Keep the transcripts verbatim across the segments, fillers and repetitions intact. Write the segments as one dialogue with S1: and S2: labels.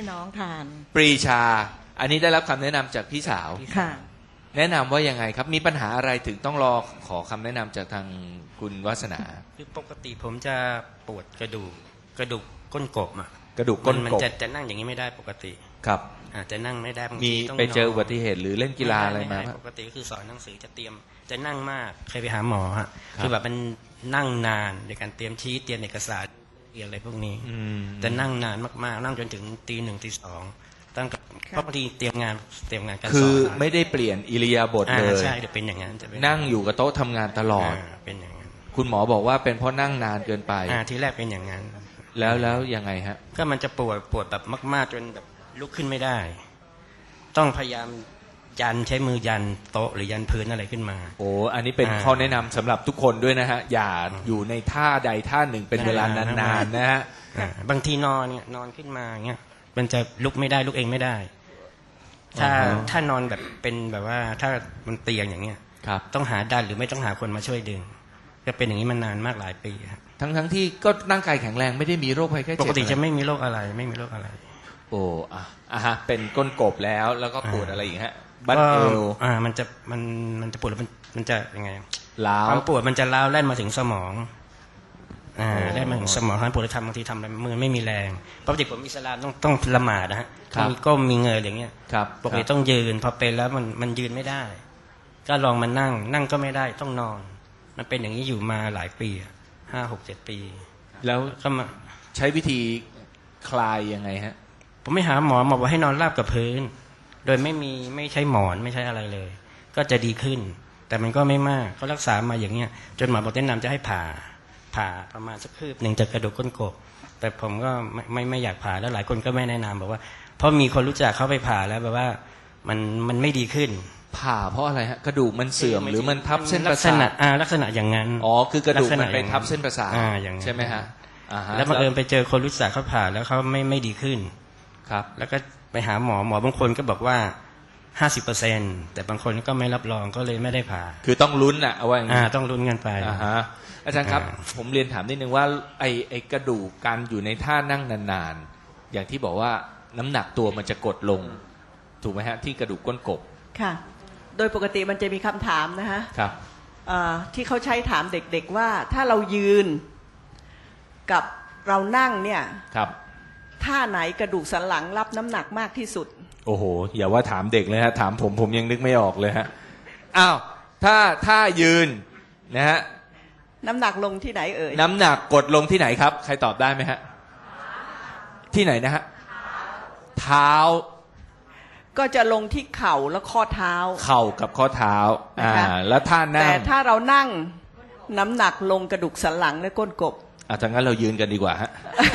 S1: น้องทาน
S2: ปรีชาอันนี้ได้รับคำแนะนำจากพี่สาว
S1: ค่ะ
S2: แนะนำว่ายังไงครับมีปัญหาอะไรถึงต้องรอขอคำแนะนำจากทางคุณวาสนา
S3: คือปกติผมจะปวดกระดูกกระดูกก้นกบอ่ะ
S2: กระดูกก้นกบ
S3: มันจะจะนั่งอย่างนี้ไม่ได้ปกติ
S2: ครับ
S3: อาจจะนั่งไม่ได้บาง
S2: มี
S3: ทีต้อง
S2: ไปเจออุบัติเหตุหรือเล่นกีฬาอะไรมาไหม
S3: ปกติก็คือสอนหนังสือจะเตรียมจะนั่งมากเคยไปหาหมอฮะคือแบบมันนั่งนานในการเตรียมชี้เตรียมเอกสารเรียนอะไรพวกนี้จะนั่งนานมากๆนั่งจนถึงตีหนึ่งตีสองตั้งเพราะบางทีเตรียมงานเตรียมงานการสอน
S2: คือไม่ได้เปลี่ยนอิริยาบถเลย
S3: ใช่จะเป็นอย่างนั้นจะเป็น
S2: นั่งอยู่กับโต๊ะทำงานตลอด
S3: เป็นอย่างนั้น
S2: คุณหมอบอกว่าเป็นเพราะนั่งนานเกินไป
S3: อ่าทีแรกเป็นอย่างนั้น
S2: แล้วแล้วยังไงฮะ
S3: ก็มันจะปวดปวดแบบมากๆจนแบบลุกขึ้นไม่ได้ต้องพยายามยันใช้มือยันโต๊ะหรือยันพื้นอะไรขึ้นมา
S2: โอ้อันนี้เป็นข้อแนะนำสำหรับทุกคนด้วยนะฮะอย่าอยู่ในท่าใดท่าหนึ่งเป็นเวลานานๆนะฮะ
S3: บางทีนอนเนี่ยนอนขึ้นมาเงี้ยมันจะลุกไม่ได้ลุกเองไม่ได้ถ้าถ้านอนแบบเป็นแบบว่าถ้ามันเตียงอย่างเงี้ยต้องหาดันหรือไม่ต้องหาคนมาช่วยดึงก็เป็นอย่างนี้มานานมากหลายปีครับ
S2: ทั้งทั้งที่ก็ร่างกายแข็งแรงไม่ได้มีโรคภัยไข้เจ็บ
S3: ปกติจะไม่มีโรคอะไรไม่มีโรคอะไร
S2: โอ้อ่ะอ่ะฮะเป็นก้นกบแล้วแล้วก็ปวดอะไรอีกฮะบั้นเอว
S3: อ่ามันจะมันมันจะปวดแล้วมันมันจะยังไง
S2: ล้าว
S3: ความปวดมันจะล้าวแล่นมาถึงสมองอ่าแล่นมาถึงสมองท่านปวดแล้วทำบางทีทำอะไรมือไม่มีแรงปกติผมอิสลามต้องต้องละหมาดนะฮะมีก้มมีเงยอย่างเงี้ยปกติต้องยืนพอเป็นแล้วมันมันยืนไม่ได้ก็ลองมานั่งนั่งก็ไม่ได้ต้องนอนมันเป็นอย่างนี้อยู่มาหลายปีห้าหกเจ็ดปี
S2: แล้ว
S3: ก็มา
S2: ใช้วิธีคลายยังไงฮะ
S3: ผมไม่หาหมอหมอบอกให้นอนราบกับพื้นโดยไม่มีไม่ใช้หมอนไม่ใช้อะไรเลยก็จะดีขึ้นแต่มันก็ไม่มากก็รักษามาอย่างเงี้ยจนหมอบอกแนะนำจะให้ผ่าผ่าประมาณสักคืบหนึ่งจากกระดูกก้นกบแต่ผมก็ไม่ไม่ไม่อยากผ่าแล้วหลายคนก็ไม่แนะนำบอกว่าเพราะมีคนรู้จักเขาไปผ่าแล้วแบบว่ามันมันไม่ดีขึ้น
S2: ผ่าเพราะอะไรฮะกระดูกมันเสื่อมหรือมันทับเส้นประสาท
S3: อ่าลักษณะอย่างนั้น
S2: อ๋อคือกระดูกมันไปทับเส้นประสาทใช่ไหมฮะ
S3: แล้วบังเอิญไปเจอคนรู้จักเขาผ่าแล้วเขาไม่ไม่ดีขึ้น
S2: ครับ
S3: แล้วก็ไปหาหมอหมอบางคนก็บอกว่าห้าสิบเปอร์เซ็นต์แต่บางคนก็ไม่รับรองก็เลยไม่ได้ผ่า
S2: คือต้องลุ้นอ่ะเอาไว้อย่าง
S3: นี้ต้องลุ้นกันไป
S2: อ่าฮะอาจารย์ครับผมเรียนถามนิดนึงว่าไอไอกระดูกการอยู่ในท่านั่งนานๆอย่างที่บอกว่าน้ำหนักตัวมันจะกดลงถูกไหมฮะที่กระดูกก้นกบ
S1: ค่ะโดยปกติมันจะมีคำถามนะฮะ
S2: ครับ
S1: ที่เขาใช้ถามเด็กๆว่าถ้าเรายืนกับเรานั่งเนี่ย
S2: ครับ
S1: ท่าไหนกระดูกสันหลังรับน้ำหนักมากที่สุด
S2: โอ้โหอย่าว่าถามเด็กเลยฮะถามผมผมยังนึกไม่ออกเลยฮะอ้าวถ้าถ้ายืนนะฮะ
S1: น้ำหนักลงที่ไหนเอ่ย
S2: น้ำหนักกดลงที่ไหนครับใครตอบได้ไหมฮะที่ไหนนะฮะเท้า
S1: ก็จะลงที่เข่าและข้อเท้า
S2: เข่ากับข้อเท้าอ่าแล้วท่านั่ง
S1: แต่ถ้าเรานั่งน้ำหนักลงกระดูกสันหลังและก้นกบ
S2: อ่ะถ้างั้นเรายืนกันดีกว่าฮะ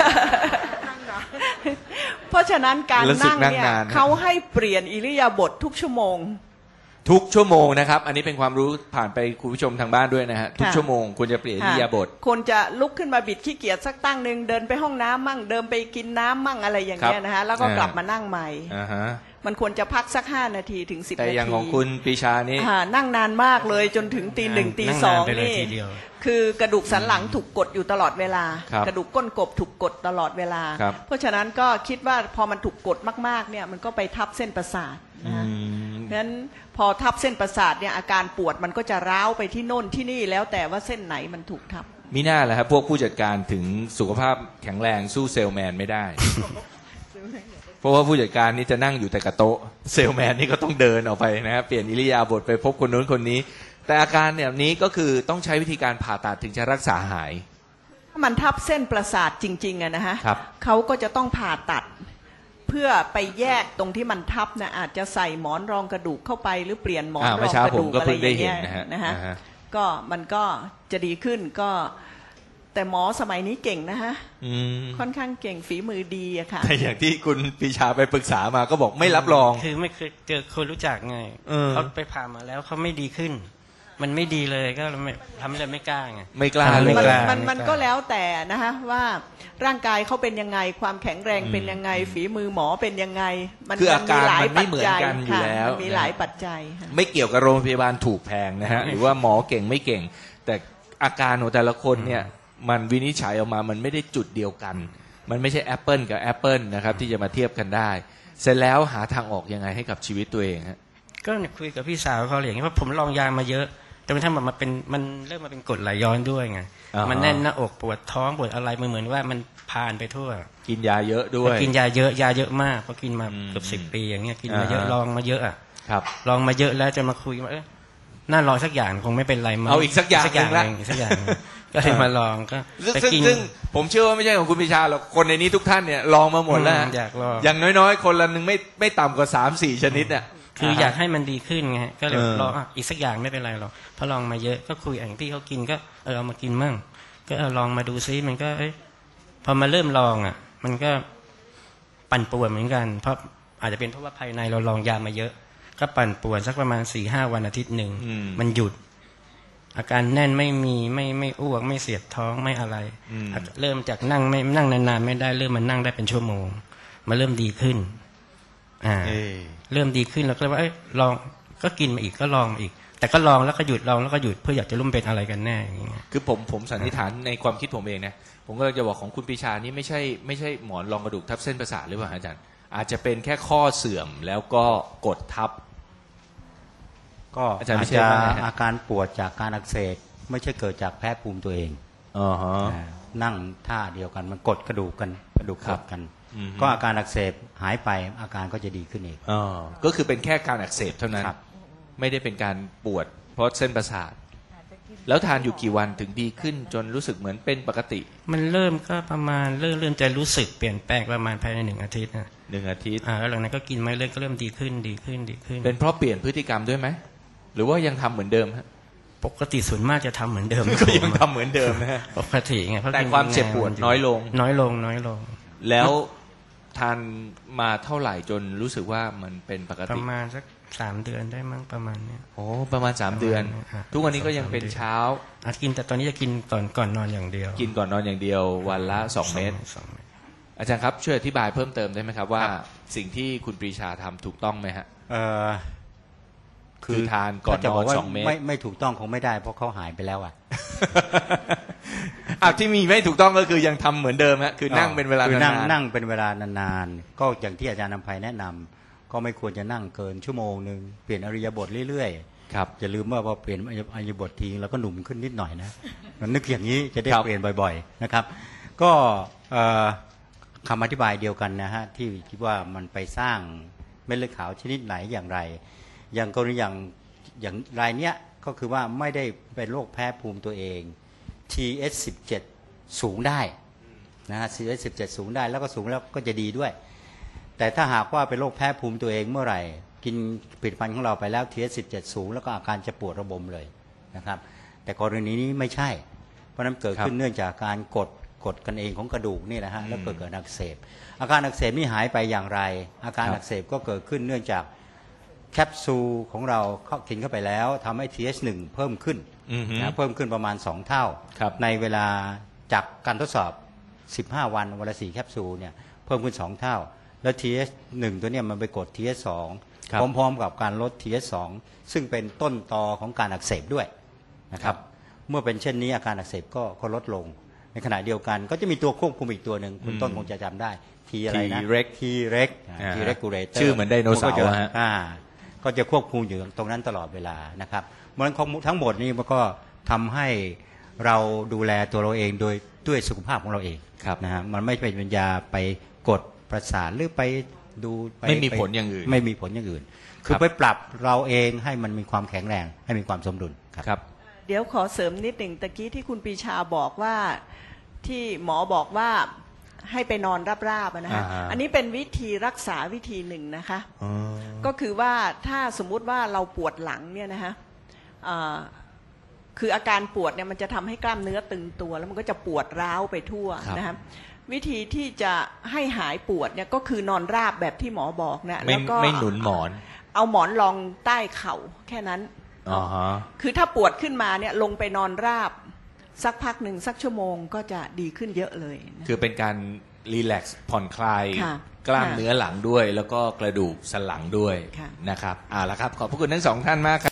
S1: เพราะฉะนั้นการนั่งเนี่ยเขาให้เปลี่ยนอิริยาบถทุกชั่วโมง
S2: ทุกชั่วโมงนะครับอันนี้เป็นความรู้ผ่านไปคุณผู้ชมทางบ้านด้วยนะฮะทุกชั่วโมงควรจะเปลี่ยนอิริยาบถ
S1: ควรจะลุกขึ้นมาบิดขี้เกียจสักตั้งนึงเดินไปห้องน้ำมั่งเดินไปกินน้ำมั่งอะไรอย่างเงี้ยนะฮะแล้วก็กลับมานั่งใหม่มันควรจะพักสักห้านาทีถึงสิบนาที
S2: แต่อย่างของคุณปีชานี่
S1: นั่งนานมากเลยจนถึงตีหนึ่งตีสองนี่คือกระดูกสันหลังถูกกดอยู่ตลอดเวลากระดูกก้นกบถูกกดตลอดเวลาเพราะฉะนั้นก็คิดว่าพอมันถูกกดมากๆเนี่ยมันก็ไปทับเส้นประสาทนะฮะเพราะฉะนั้นพอทับเส้นประสาทเนี่ยอาการปวดมันก็จะร้าวไปที่โน่นที่นี่แล้วแต่ว่าเส้นไหนมันถูกทับ
S2: มิน่าแหละครับพวกผู้จัดการถึงสุขภาพแข็งแรงสู้เซลแมนไม่ได้ เพราะว่าผู้จัดการนี่จะนั่งอยู่แต่กับโต๊ะเซลแมนนี่ก็ต้องเดินออกไปนะครับเปลี่ยนอิริยาบถไปพบคนนู้นคนนี้แต่อาการแบบนี้ก็คือต้องใช้วิธีการผ่าตัดถึงจะรักษาหาย
S1: ถ้ามันทับเส้นประสาทจริงๆอะนะฮะเขาก็จะต้องผ่าตัดเพื่อไปแยกตรงที่มันทับนะอาจจะใส่หมอนรองกระดูกเข้าไปหรือเปลี่ยนหมอนรองกระดูกอะไรอย่างเงี้ยนะฮะก็มันก็จะดีขึ้นก็แต่หมอสมัยนี้เก่งนะฮะค่อนข้างเก่งฝีมือดีอะค่ะ
S2: แต่อย่างที่คุณปีชาไปปรึกษามาก็บอกไม่รับรอง
S3: คือไม่เคยเจอคนรู้จักไงเขาไปผ่ามาแล้วเขาไม่ดีขึ้นมันไม่ดีเลยก็ทำอะไรไม่กล้าไง
S2: ไม่กล้าเลย
S1: มันมันก็แล้วแต่นะฮะว่าร่างกายเขาเป็นยังไงความแข็งแรงเป็นยังไงฝีมือหมอเป็นยังไง
S2: มันคืออาการมันไม่เหมือนกันอยู่แล้ว
S1: มีหลายปัจจัย
S2: ไม่เกี่ยวกับโรงพยาบาลถูกแพงนะฮะหรือว่าหมอเก่งไม่เก่งแต่อาการของแต่ละคนเนี่ยมันวินิจฉัยออกมามันไม่ได้จุดเดียวกันมันไม่ใช่แอปเปิลกับแอปเปิลนะครับที่จะมาเทียบกันได้เสร็จแล้วหาทางออกยังไงให้กับชีวิตตัวเองฮะ
S3: ก็คุยกับพี่สาวเขาอย่างนี้ว่าผมลองยามาเยอะแต่มันทำแบบมาเป็นมันเริ่มมาเป็นกรดไหลย้อนด้วยไงมันแน่นหน้าอกปวดท้องปวดอะไรมันเหมือนว่ามันผ่านไปทั่ว
S2: กินยาเยอะด้วย
S3: กินยาเยอะยาเยอะมากเพราะกินมาเกือบสิบปีอย่างเงี้ยกินมาเยอะลองมาเยอะอ่ะ
S2: ครับ
S3: ลองมาเยอะแล้วจะมาคุยว่าเออน่าลองสักอย่างคงไม่เป็นไรมา
S2: เอาอีกสักอย่าง
S3: สักอย่างนึงสักอย่างก็เลยมาลองก็
S2: ซึ่งซึ่งผมเชื่อว่าไม่ใช่ของคุณปิชาหรอกคนในนี้ทุกท่านเนี่ยลองมาหมดแล้ว
S3: อยากลอง
S2: อย่างน้อยๆคนละนึงไม่ไม่ต่ำกว่าสามสี่ชนิดอ่ะ
S3: คืออยากให้มันดีขึ้นไงก็เลยลองอีกสักอย่างไม่เป็นไรหรอกพอลองมาเยอะก็คุยอย่างที่เขากินก็เออเอามากินมั่งก็เออลองมาดูซิมันก็เอ้ยพอมาเริ่มลองอ่ะมันก็ปั่นป่วนเหมือนกันเพราะอาจจะเป็นเพราะว่าภายในเราลองยามาเยอะก็ปั่นป่วนสักประมาณสี่ห้าวันอาทิตย์หนึ่งมันหยุดอาการแน่นไม่มีไม่ไม่อ้วกไม่เสียดท้องไม่อะไรเริ่มจากนั่งไม่นั่งนานๆไม่ได้เริ่มมันนั่งได้เป็นชั่วโมงมาเริ่มดีขึ้นอ่าเริ่มดีขึ้นแล้วก็เลยว่าเอ้ยลองก็กินมาอีกก็ลองมาอีกแต่ก็ลองแล้วก็หยุดลองแล้วก็หยุดเพื่ออยากจะรู้เป็นอะไรกันแน่อย่างเงี้ย
S2: คือผมผมสันนิษฐานในความคิดผมเองนะผมก็จะบอกของคุณปิชานี่ไม่ใช่ไม่ใช่หมอนรองกระดูกทับเส้นประสาทหรือเปล่าอาจารย์อาจจะเป็นแค่ข้อเสื่อมแล้วก็กดทับ
S4: ก็อาจจะอาการปวดจากการอักเสบไม่ใช่เกิดจากแพ้ภูมิตัวเอง
S2: อ๋อฮะ
S4: นั่งท่าเดียวกันมันกดกระดูกกันกระดูกกดกันก็อาการอักเสบหายไปอาการก็จะดีขึ้นเอง
S2: อ๋อก็คือเป็นแค่การอักเสบเท่านั้นไม่ได้เป็นการปวดเพราะเส้นประสาทแล้วทานอยู่กี่วันถึงดีขึ้นจนรู้สึกเหมือนเป็นปกติ
S3: มันเริ่มก็ประมาณเริ่มเริ่มจะรู้สึกเปลี่ยนแปลงประมาณภายในหนึ่งอาทิตย์นะ
S2: หนึ่งอาทิตย์
S3: อ่าแล้วหลังนั้นก็กินไม่เรื่อยก็เริ่มดีขึ้นดีขึ้นดีขึ้น
S2: เป็นเพราะเปลี่ยนพฤติกรรมด้วยไหมหรือว่ายังทำเหมือนเดิมฮะ
S3: ปกติส่วนมากจะทำเหมือนเดิม
S2: ก็ยังทำเหมือนเดิมนะฮะ
S3: ปกติไง
S2: แต่ความเจ็บปวดน้อยลง
S3: น้อยลงน้อยลง
S2: แล้วทานมาเท่าไหร่จนรู้สึกว่ามันเป็นปกติ
S3: ประมาณสักสามเดือนได้มั้งประมาณเนี้ย
S2: โอ้ประมาณสามเดือนทุกวันนี้ก็ยังเป็นเช้า
S3: อาจกินแต่ตอนนี้จะกินก่อนก่อนนอนอย่างเดียว
S2: กินก่อนนอนอย่างเดียววันละสองเม็ดอาจารย์ครับช่วยอธิบายเพิ่มเติมได้ไหมครับว่าสิ่งที่คุณปรีชาทำถูกต้องไหมฮะ
S4: เออ
S2: คือทานก่อนนอนสองเม็ด
S4: ไม่ไม่ถูกต้องคงไม่ได้เพราะเขาหายไปแล้วอ่ะ
S2: อ่ะที่มีไม่ถูกต้องก็คือยังทำเหมือนเดิมฮะคือนั่งเป็นเวลานาน
S4: นั่งเป็นเวลานานๆก็อย่างที่อาจารย์นำไพแนะนำก็ไม่ควรจะนั่งเกินชั่วโมงนึงเปลี่ยนอริยบทเรื่อย
S2: ๆครับ
S4: อย่าลืมว่าพอเปลี่ยนอริยบททีแล้วก็หนุ่มขึ้นนิดหน่อยนะมันนึกอย่างนี้จะได้เปลี่ยนบ่อยๆนะครับก็คำอธิบายเดียวกันนะฮะที่คิดว่ามันไปสร้างเม็ดเลือดขาวชนิดไหนอย่างไรอย่างกรณีอย่างอย่างรายเนี้ยก็คือว่าไม่ได้เป็นโรคแพ้ภูมิตัวเอง ที เอช สิบเจ็ด สูงได้นะฮะ ที เอช สิบเจ็ด สูงได้แล้วก็สูงแล้วก็จะดีด้วยแต่ถ้าหากว่าเป็นโรคแพ้ภูมิตัวเองเมื่อไหร่กินผลิตภัณฑ์ของเราไปแล้ว ที เอช สิบเจ็ด สูงแล้วก็อาการจะปวดระบมเลยนะครับแต่กรณีนี้ไม่ใช่เพราะนั้นเกิดขึ้นเนื่องจากการกดกดกันเองของกระดูกนี่นะฮะแล้วเกิดเกิดอักเสบอาการอักเสบนี่หายไปอย่างไรอาการอักเสบก็เกิดขึ้นเนื่องจากแคปซูลของเราเข้ากินเข้าไปแล้วทำให้ ที เอช หนึ่ง เพิ่มขึ้นนะเพิ่มขึ้นประมาณสองเท่าในเวลาจากการทดสอบสิบห้าวันวันละสี่แคปซูลเนี่ยเพิ่มขึ้นสองเท่าแล้ว ที เอช หนึ่ง ตัวเนี้ยมันไปกด ที เอช สอง พร้อมๆกับการลด ที เอช สอง ซึ่งเป็นต้นตอของการอักเสบด้วยนะครับเมื่อเป็นเช่นนี้อาการอักเสบก็ก็ลดลงในขณะเดียวกันก็จะมีตัวควบคุมอีกตัวหนึ่งคุณต้นคงจะจำได้ทีอะไรนะ
S2: ที
S4: เร็ก ที regulator
S2: ชื่อเหมือนไดโนเสาร์ฮะ
S4: ก็จะควบคุมอยู่ตรงนั้นตลอดเวลานะครับเพราะฉะนั้นทั้งหมดนี้มันก็ทำให้เราดูแลตัวเราเองโดยด้วยสุขภาพของเราเองนะฮะมันไม่เป็นปัญญาไปกดประสาทหรือไปดู
S2: ไม่มีผลอย่างอื่น
S4: ไม่มีผลอย่างอื่นคือไปปรับเราเองให้มันมีความแข็งแรงให้มีความสมดุล
S2: ครับ
S1: เดี๋ยวขอเสริมนิดหนึ่งตะกี้ที่คุณปีชาบอกว่าที่หมอบอกว่าให้ไปนอนราบๆนะฮะ อ, อันนี้เป็นวิธีรักษาวิธีหนึ่งนะคะก็คือว่าถ้าสมมุติว่าเราปวดหลังเนี่ยนะฮะคืออาการปวดเนี่ยมันจะทำให้กล้ามเนื้อตึงตัวแล้วมันก็จะปวดร้าวไปทั่วนะครับวิธีที่จะให้หายปวดเนี่ยก็คือนอนราบแบบที่หมอบอกนะ
S2: แล้วก็ไม่หนุนหมอน
S1: เอาหมอนรองใต้เข่าแค่นั้นคือถ้าปวดขึ้นมาเนี่ยลงไปนอนราบสักพักหนึ่งสักชั่วโมงก็จะดีขึ้นเยอะเลย
S2: คือเป็นการรีแลกซ์ผ่อนคลายกล้ามเนื้อหลังด้วยแล้วก็กระดูกสันหลังด้วยนะครับเอาละครับขอบพระคุณทั้งสองท่านมากครับ